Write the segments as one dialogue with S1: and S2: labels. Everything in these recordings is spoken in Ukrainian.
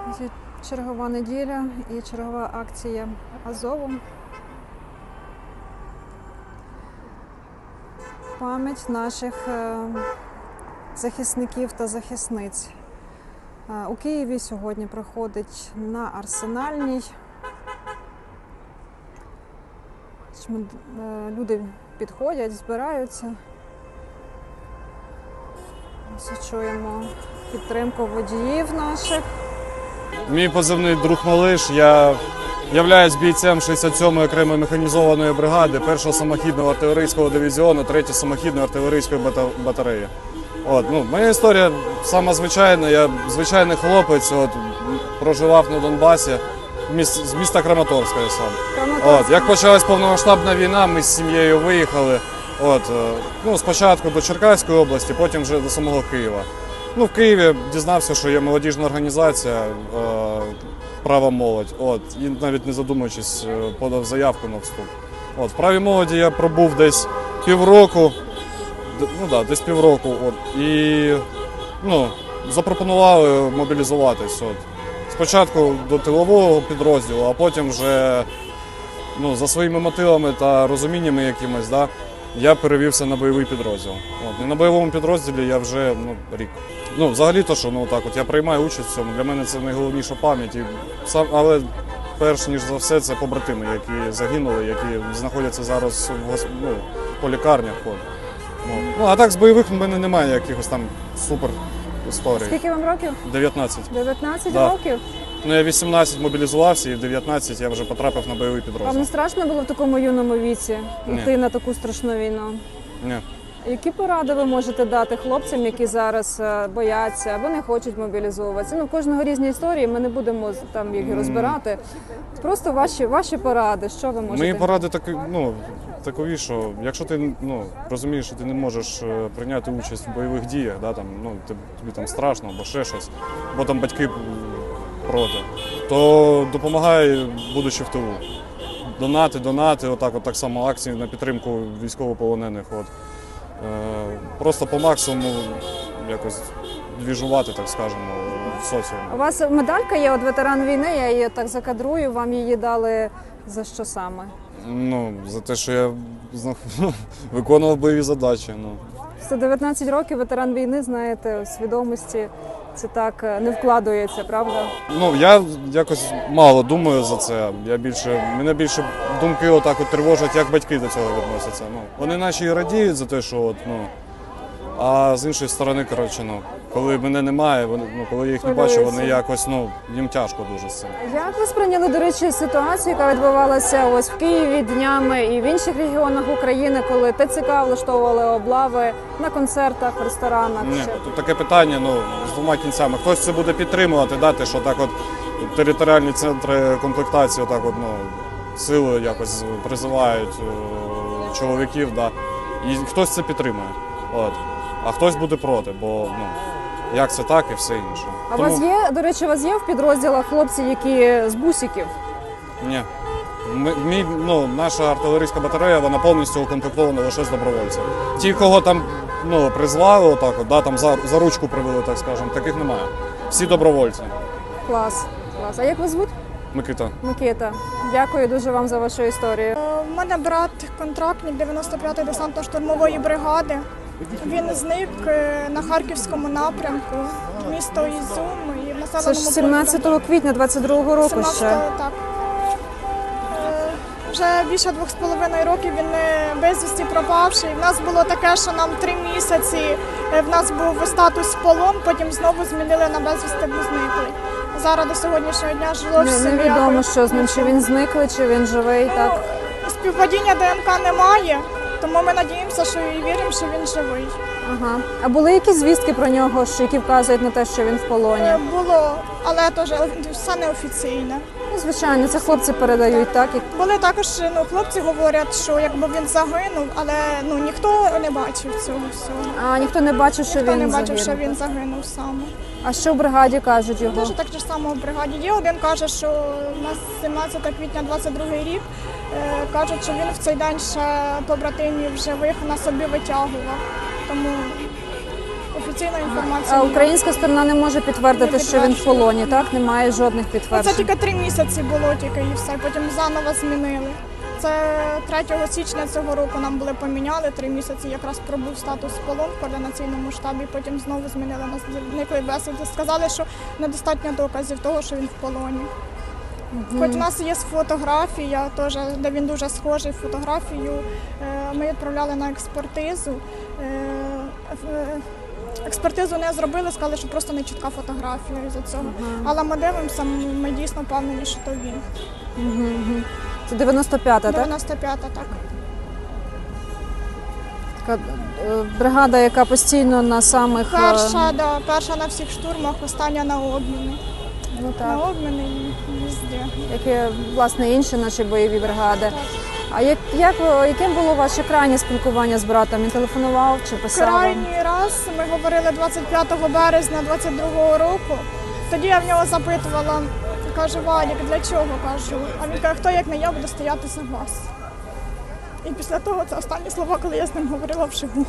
S1: Чергова неділя і чергова акція Азову. Пам'ять наших захисників та захисниць. У Києві сьогодні проходить на Арсенальній. Люди підходять, збираються. Чуємо підтримку водіїв наших.
S2: Мій позивний «Друг Малиш». Я являюсь бійцем 67-ї окремої механізованої бригади 1-го самохідного артилерійського дивізіону 3-ї самохідної артилерійської батареї. Моя історія сама звичайна. Я звичайний хлопець, проживав на Донбасі, з міста Краматорська я сам. Як почалась повномасштабна війна, ми з сім'єю виїхали. Спочатку до Черкаської області, потім вже до самого Києва. В Києві дізнався, що є молодіжна організація «Права молодь». І навіть не задумуючись, подав заявку на вступ. В «Правій молоді» я пробув десь півроку. І запропонували мобілізуватись. Спочатку до тилового підрозділу, а потім вже за своїми мотивами та розуміннями якимось, я перевівся на бойовий підрозділ. І на бойовому підрозділі я вже рік. Взагалі-то, що я приймаю участь в цьому, для мене це найголовніша пам'ять. Але перш ніж за все це побратими, які загинули, які знаходяться зараз по лікарнях. А так з бойових в мене немає якихось там супер історій.
S1: Скільки вам років?
S2: 19.
S1: 19 років?
S2: Я 18 мобілізувався і в 19 я вже потрапив на бойовий підрозділ.
S1: Вам не страшно було в такому юному віці йти на таку страшну війну?
S2: Ні.
S1: Які поради ви можете дати хлопцям, які зараз бояться або не хочуть мобілізовуватися? У кожного різні історії, ми не будемо там їх розбирати. Просто ваші поради, що ви можете?
S2: Мої поради такові, що якщо ти розумієш, що ти не можеш прийняти участь в бойових діях, тобі там страшно або ще щось, бо там батьки проти, то допомагай, будучи в тилу. Донати, так само акції на підтримку військовополонених. Просто по максимуму якось двіжувати, так скажемо, в соціумі.
S1: У вас медалька є, ветеран війни, я її так закадрую, вам її дали за що саме?
S2: За те, що я виконував бойові задачі.
S1: 119 років, ветеран війни, знаєте, у свідомості це так не вкладається, правда?
S2: Я якось мало думаю за це. Мене більше думки тривожать, як батьки до цього відносяться. Вони наче і радіють за те, що а з іншої сторони, коли мене немає, коли я їх не бачу, вони якось, їм тяжко дуже з цим.
S1: Як ви сприйняли, до речі, ситуацію, яка відбувалася ось в Києві днями і в інших регіонах України, коли ТЦК влаштовували облави на концертах, в ресторанах?
S2: Ні, тут таке питання, з двома кінцями. Хтось це буде підтримувати, що територіальні центри комплектації силою якось призивають чоловіків, і хтось це підтримує. А хтось буде проти, бо як це так і все інше.
S1: А у вас є, до речі, в підрозділах хлопці, які з бусиків?
S2: Ні. Наша артилерійська батарея, вона повністю укомплектована лише з добровольців. Ті, кого там призвали, там за ручку привели, так скажемо, таких немає. Всі добровольці.
S1: Клас. А як вас звуть?
S2: Микита.
S1: Микита. Дякую дуже вам за вашу історію.
S3: У мене брат контрактник 95-ї десантно-штурмової бригади. Він зник на Харківському напрямку, місто Ізюм і в населеному
S1: Це ж 17 квітня 22-го року ще.
S3: Так. Вже більше 2,5 років він безвісті пропавший. В нас було таке, що нам 3 місяці, в нас був статус полон, потім знову змінили на безвісти зниклий. Зараз до сьогоднішнього дня зовсім
S1: невідомо, що з ним, чи він зниклий, чи він живий, так?
S3: Співпадіння ДНК немає. Тому ми надіємося, що і віримо, що він живий.
S1: Ага. А були якісь звістки про нього, які вказують на те, що він в полоні?
S3: Було, але теж все неофіційне.
S1: Звичайно, це хлопці передають, так?
S3: Були також, хлопці говорять, що якби він загинув, але ніхто не бачив цього всього.
S1: А ніхто не бачив, що
S3: ніхто
S1: він
S3: не
S1: загинув?
S3: бачив, що він загинув саме.
S1: А що в бригаді кажуть його?
S3: Дуже так же само в бригаді є. Один каже, що у нас 17 квітня 22 рік, кажуть, що він в цей день ще побратимів живих на собі витягував. Тому офіційної інформації.
S1: А
S3: немає.
S1: українська сторона не може підтвердити,
S3: Не
S1: що він в
S3: підтверджує.
S1: полоні, так? Немає жодних
S3: Це
S1: підтверджень.
S3: тільки 3 місяці було тільки і все, потім заново змінили. Це 3 січня цього року нам були поміняли, 3 місяці якраз пробув статус полон в координаційному штабі, потім знову змінили нас зниклий безвісти. Сказали, що недостатньо доказів того, що він в полоні. Хоч у нас є фотографія, теж, де він дуже схожий, фотографію ми відправляли на експертизу. Експертизу не зробили, сказали, що просто не чітка фотографія із-за цього. Але ми дивимося, ми дійсно впевнені, що то він.
S1: Це 95-та, так?
S3: 95-та, так.
S1: Така бригада, яка постійно на самих...
S3: Перша на всіх штурмах, остання на обміни.
S1: Ну
S3: На
S1: так,
S3: обміни і везде.
S1: як і, власне, інші наші бойові бригади. А яким було ваше крайнє спілкування з братом? Він телефонував чи писав? вам?
S3: Крайній раз ми говорили 25 березня 22-го року. Тоді я в нього запитувала, кажу, Валік, для чого? Кажу. А він каже, хто як не я буду стояти за вас. І після того це останні слова, коли я з ним говорила вживу.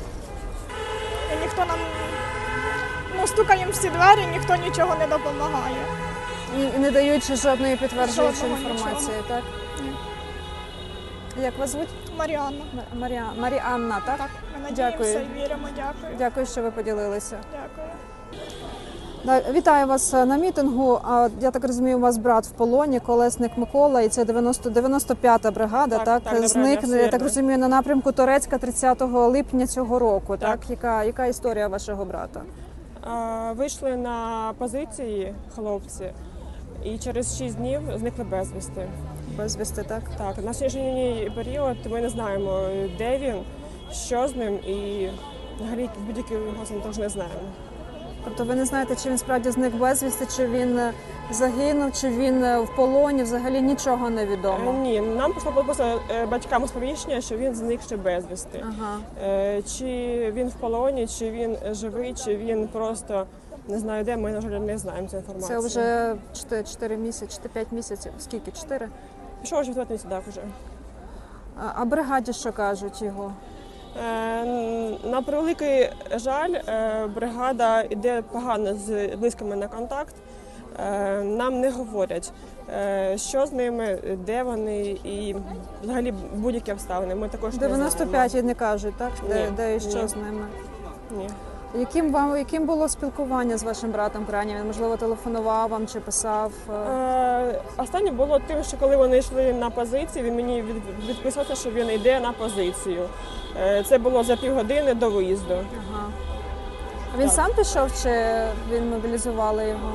S3: І ніхто нам, стукаємо всі двері, ніхто нічого не допомагає.
S1: І не даючи жодної підтверджуючої
S3: Жодного
S1: інформації,
S3: нічого.
S1: так? Як вас звуть?
S3: Маріанна.
S1: Маріанна, так?
S3: Так, ми надіємося
S1: Дякую.
S3: і віримо. Дякую.
S1: Дякую, що ви поділилися.
S3: Дякую.
S1: Вітаю вас на мітингу. Я так розумію, у вас брат в полоні, Колесник Микола, і це 95-та бригада, так?
S4: Так,
S1: Зник,
S4: добре,
S1: я так
S4: вірно.
S1: розумію, на напрямку Торецька 30 липня цього року, так?
S4: Так.
S1: Яка історія вашого брата?
S4: Вийшли на позиції хлопці і через 6 днів зникли безвісти.
S1: Безвісти, так?
S4: Так, на сьогоднішній період ми не знаємо, де він, що з ним і взагалі будь-який його теж не знаємо.
S1: Тобто ви не знаєте, чи він справді зник безвісти, чи він загинув, чи він в полоні, взагалі нічого не відомо.
S4: Ні, нам прийшло просто батькам сповіщення, що він зник ще безвісти.
S1: Ага.
S4: Чи він в полоні, чи він живий, чи він просто не знаю де, ми, на жаль, не знаємо цю інформацію.
S1: Це вже 4 місяці, 5 місяців. Скільки? 4?
S4: Пішов вже в 4 місяці, так, вже.
S1: А бригаді що кажуть його?
S4: На превеликий жаль, бригада йде погано з близькими на контакт. Нам не говорять, що з ними, де вони і взагалі будь-які обставини. Ми також не
S1: 95
S4: знаємо.
S1: не кажуть, так? Де і що
S4: ні.
S1: з ними?
S4: Ні.
S1: Яким було спілкування з вашим братом крайнє? Він, можливо, телефонував вам чи писав?
S4: Останнє було тим, що коли вони йшли на позиції, він мені відписався, що він йде на позицію. Це було за півгодини до виїзду.
S1: Ага. А він
S4: Так.
S1: сам пішов чи він мобілізували його?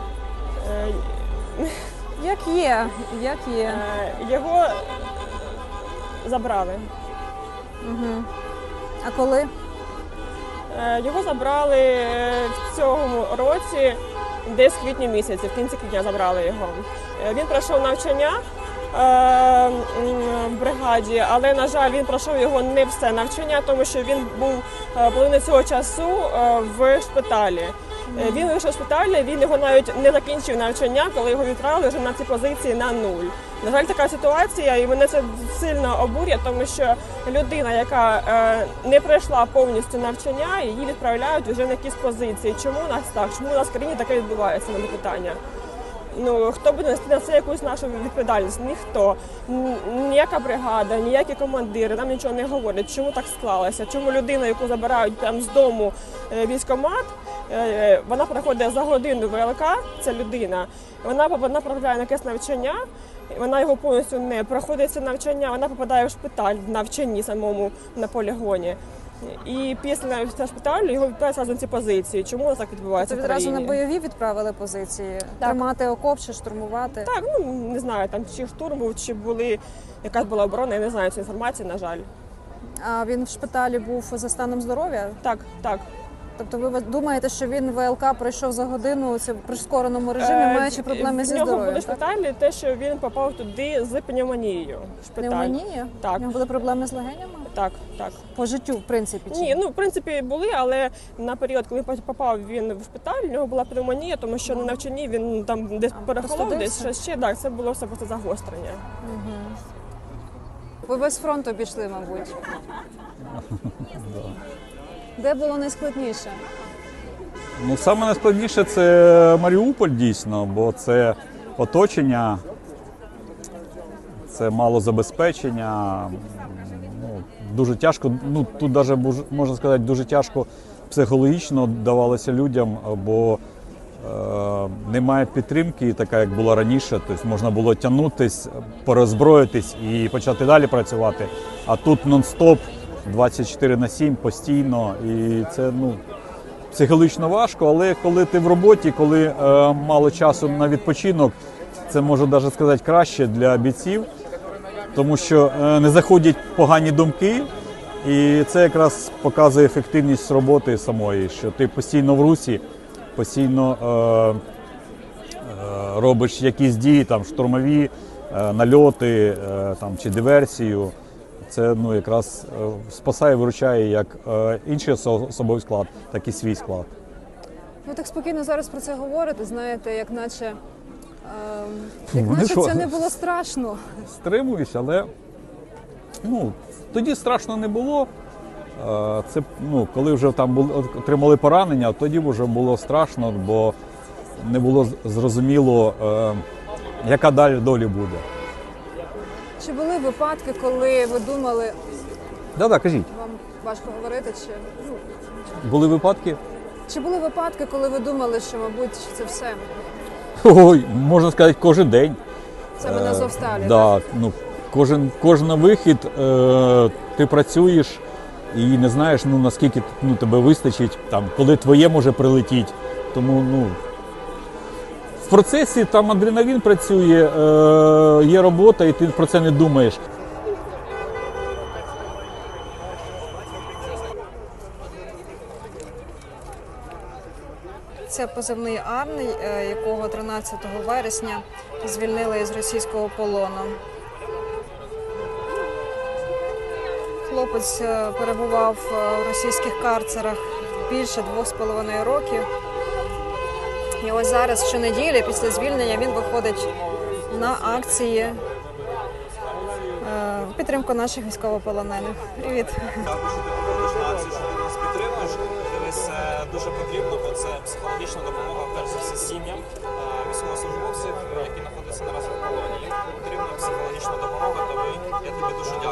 S1: Як є, як є.
S4: Його забрали.
S1: Угу. А коли?
S4: Його забрали в цьому році, десь в квітні місяці, в кінці квітня забрали його. Він пройшов навчання в бригаді, але, на жаль, він пройшов його не все навчання, тому що він був половину цього часу в шпиталі. Він вийшов з шпиталю, він його навіть не закінчив навчання, коли його відправили вже на ці позиції на нуль. На жаль, така ситуація, і мене це сильно обурює, тому що людина, яка не пройшла повністю навчання, її відправляють вже на якісь позиції. Чому у нас так? Чому у нас в країні таке відбувається, на питання? Хто буде нести на це якусь нашу відповідальність? Ніхто. Ніяка бригада, ніякі командири нам нічого не говорять, чому так склалося, чому людина, яку забирають там з дому військкомат, вона проходить за годину ВЛК, ця людина, вона потрапляє на якесь навчання, вона його повністю не проходить це навчання, вона попадає в шпиталь в навчанні самому на полігоні. І після шпиталю його відправляють на ці позиції. Чому це так відбувається
S1: Це
S4: в
S1: відразу
S4: країні?
S1: на бойові відправили позиції? Тримати окоп чи штурмувати?
S4: Так, не знаю, там чи штурм був, чи якась була оборона, я не знаю цієї інформації, на жаль.
S1: А він в шпиталі був за станом здоров'я?
S4: Так, так.
S1: Тобто ви думаєте, що він ВЛК пройшов за годину це в прискореному режимі, маючи проблеми зі
S4: В нього
S1: здоров'ям?
S4: були шпиталі, те, що він попав туди з пневмонією. Шпиталь.
S1: Пневмонія?
S4: Так.
S1: У нього були проблеми з легенями?
S4: Так, так.
S1: По життю, в принципі? Чи?
S4: Ні, в принципі, були, але на період, коли попав він в шпиталь, у нього була пневмонія, тому що на навчанні він там десь перехолов, десь
S1: простудився?
S4: щось ще. Так, це було все просто загострення.
S1: Ви без фронту пішли, мабуть. Де було найскладніше?
S5: Ну, саме найскладніше це Маріуполь дійсно, бо це оточення, це мало забезпечення. Ну, дуже тяжко, ну тут навіть можна сказати, дуже тяжко психологічно давалося людям, бо немає підтримки, така як була раніше. Тобто можна було тягнутись, пороззброїтись і почати далі працювати. А тут нон-стоп, 24/7 постійно, і це психологічно важко, але коли ти в роботі, коли мало часу на відпочинок, це можу навіть сказати краще для бійців, тому що не заходять погані думки, і це якраз показує ефективність роботи самої, що ти постійно в русі, постійно робиш якісь дії, там штурмові, нальоти там, чи диверсію. Це якраз спасає, виручає як інший особовий склад, так і свій склад.
S1: Ви так спокійно зараз про це говорите, знаєте, як наче
S5: що?
S1: це не було страшно.
S5: Стримуюсь, але тоді страшно не було. Це, коли вже там отримали поранення, тоді вже було страшно, бо не було зрозуміло, яка далі доля буде.
S1: Чи були випадки, коли ви думали,
S5: Да, кажіть.
S1: вам важко говорити,
S5: Були випадки?
S1: чи були випадки, коли ви думали, що, мабуть, це все?
S5: Ой, можна сказати, кожен день.
S1: Це ми на Азовсталі,
S5: Да, кожен вихід ти працюєш і не знаєш, наскільки тебе вистачить, там, коли твоє може прилетіти. Тому в процесі там адреналін працює, є робота, і ти про це не думаєш.
S1: Це позивний Арний, якого 13 вересня звільнили із російського полону. Хлопець перебував у російських карцерах більше 2,5 років. І ось зараз, щонеділі, після звільнення, він виходить на акції в підтримку наших військовополонених. Привіт!
S6: Також ти приходиш на акцію, що ти нас підтримуєш. Дивись, дуже потрібно, бо це психологічна допомога, перш за все, сім'ям військовослужбовців, які знаходяться наразі в полоні. Їм потрібна психологічна допомога, тому я тобі дуже